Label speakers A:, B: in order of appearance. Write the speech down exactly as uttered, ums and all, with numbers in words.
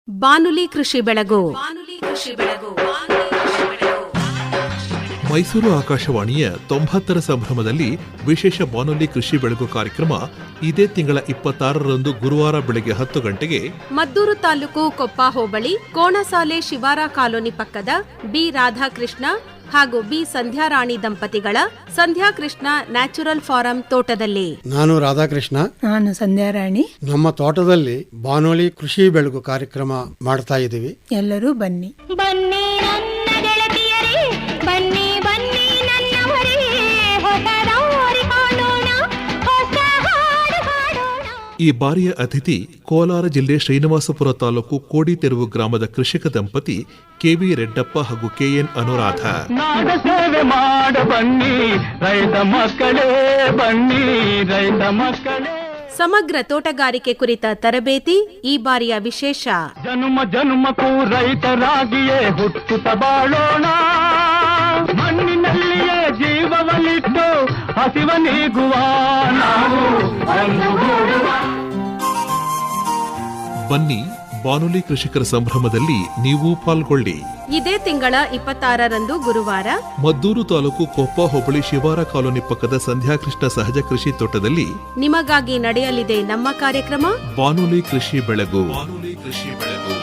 A: ಬಾನುಲಿ ಕೃಷಿ ಬೆಳಗು.
B: ಮೈಸೂರು ಆಕಾಶವಾಣಿಯ ತೊಂಬತ್ತರ ಸಂಭ್ರಮದಲ್ಲಿ ವಿಶೇಷ ಬಾನುಲಿ ಕೃಷಿ ಬೆಳಗು ಕಾರ್ಯಕ್ರಮ ಇದೇ ತಿಂಗಳ ಇಪ್ಪತ್ತಾರರಂದು ಗುರುವಾರ ಬೆಳಗ್ಗೆ ಹತ್ತು ಗಂಟೆಗೆ
A: ಮದ್ದೂರು ತಾಲೂಕು ಕೊಪ್ಪ ಹೋಬಳಿ ಕೋಣಸಾಲೆ ಶಿವಾರ ಕಾಲೋನಿ ಪಕ್ಕದ ಬಿ ರಾಧಾಕೃಷ್ಣ ಹಾಗೂ ಬಿ ಸಂಧ್ಯಾರಾಣಿ ದಂಪತಿಗಳ ಸಂಧ್ಯಾಕೃಷ್ಣ ನ್ಯಾಚುರಲ್ ಫಾರಂ ತೋಟದಲ್ಲಿ.
C: ನಾನು ರಾಧಾಕೃಷ್ಣ,
D: ನಾನು ಸಂಧ್ಯಾರಾಣಿ.
C: ನಮ್ಮ ತೋಟದಲ್ಲಿ ಬಾನುಲಿ ಕೃಷಿ ಬೆಳಗು ಕಾರ್ಯಕ್ರಮ ಮಾಡ್ತಾ ಇದ್ದೀವಿ.
D: ಎಲ್ಲರೂ ಬನ್ನಿ
E: ಬನ್ನಿ ನನ್ನ ಗೆಳತಿಯರೇ, ಬನ್ನಿ ಬನ್ನಿ ನನ್ನವರೇ, ಹೊಸ ದಾರಿ ಕಾಣೋಣ, ಹೊಸ ಹಾಡು ಹಾಡೋಣ.
B: ಈ ಬಾರಿಯ ಅತಿಥಿ ಕೋಲಾರ ಜಿಲ್ಲೆ ಶ್ರೀನಿವಾಸಪುರ ತಾಲೂಕು ಕೋಡಿತೆರುವು ಗ್ರಾಮದ ಕೃಷಿಕ ದಂಪತಿ ಕೆವಿ ರೆಡ್ಡಪ್ಪ ಹಾಗೂ ಕೆಎನ್ ಅನುರಾಧ.
F: ನಾಡ ಸೇವೆ ಮಾಡ ಬನ್ನಿ ರೈತ ಮಕ್ಕಳೇ, ಬನ್ನಿ ರೈತ ಮಕ್ಕಳೇ.
A: ಸಮಗ್ರ ತೋಟಗಾರಿಕೆ ಕುರಿತ ತರಬೇತಿ ಈ ಬಾರಿಯ ವಿಶೇಷ.
F: ಜನುಮ ಜನುಮಕ್ಕೂ ರೈತರಾಗಿಯೇ ಹುಟ್ಟುತ್ತ ಬಾಳೋಣ, ಮಣ್ಣಿನಲ್ಲಿಯೇ ಜೀವವನ್ನಿಟ್ಟು ಹಸಿವ ನೀಗುವ ನಾವು ಒಂದುಗೂಡುವ.
B: ಬನ್ನಿ ಬಾನುಲಿ ಕೃಷಿಕರ ಸಂಭ್ರಮದಲ್ಲಿ ನೀವು ಪಾಲ್ಗೊಳ್ಳಿ.
A: ಇದೇ ತಿಂಗಳ ಇಪ್ಪತ್ತಾರರಂದು ಗುರುವಾರ
B: ಮದ್ದೂರು ತಾಲೂಕು ಕೊಪ್ಪ ಹೋಬಳಿ ಶಿವಾರ ಕಾಲೋನಿ ಪಕ್ಕದ ಸಂಧ್ಯಾಕೃಷ್ಣ ಸಹಜ ಕೃಷಿ ತೋಟದಲ್ಲಿ
A: ನಿಮಗಾಗಿ ನಡೆಯಲಿದೆ ನಮ್ಮ ಕಾರ್ಯಕ್ರಮ
B: ಬಾನುಲಿ ಕೃಷಿ ಬೆಳಗು. ಬಾನುಲಿ ಕೃಷಿ ಬೆಳಗು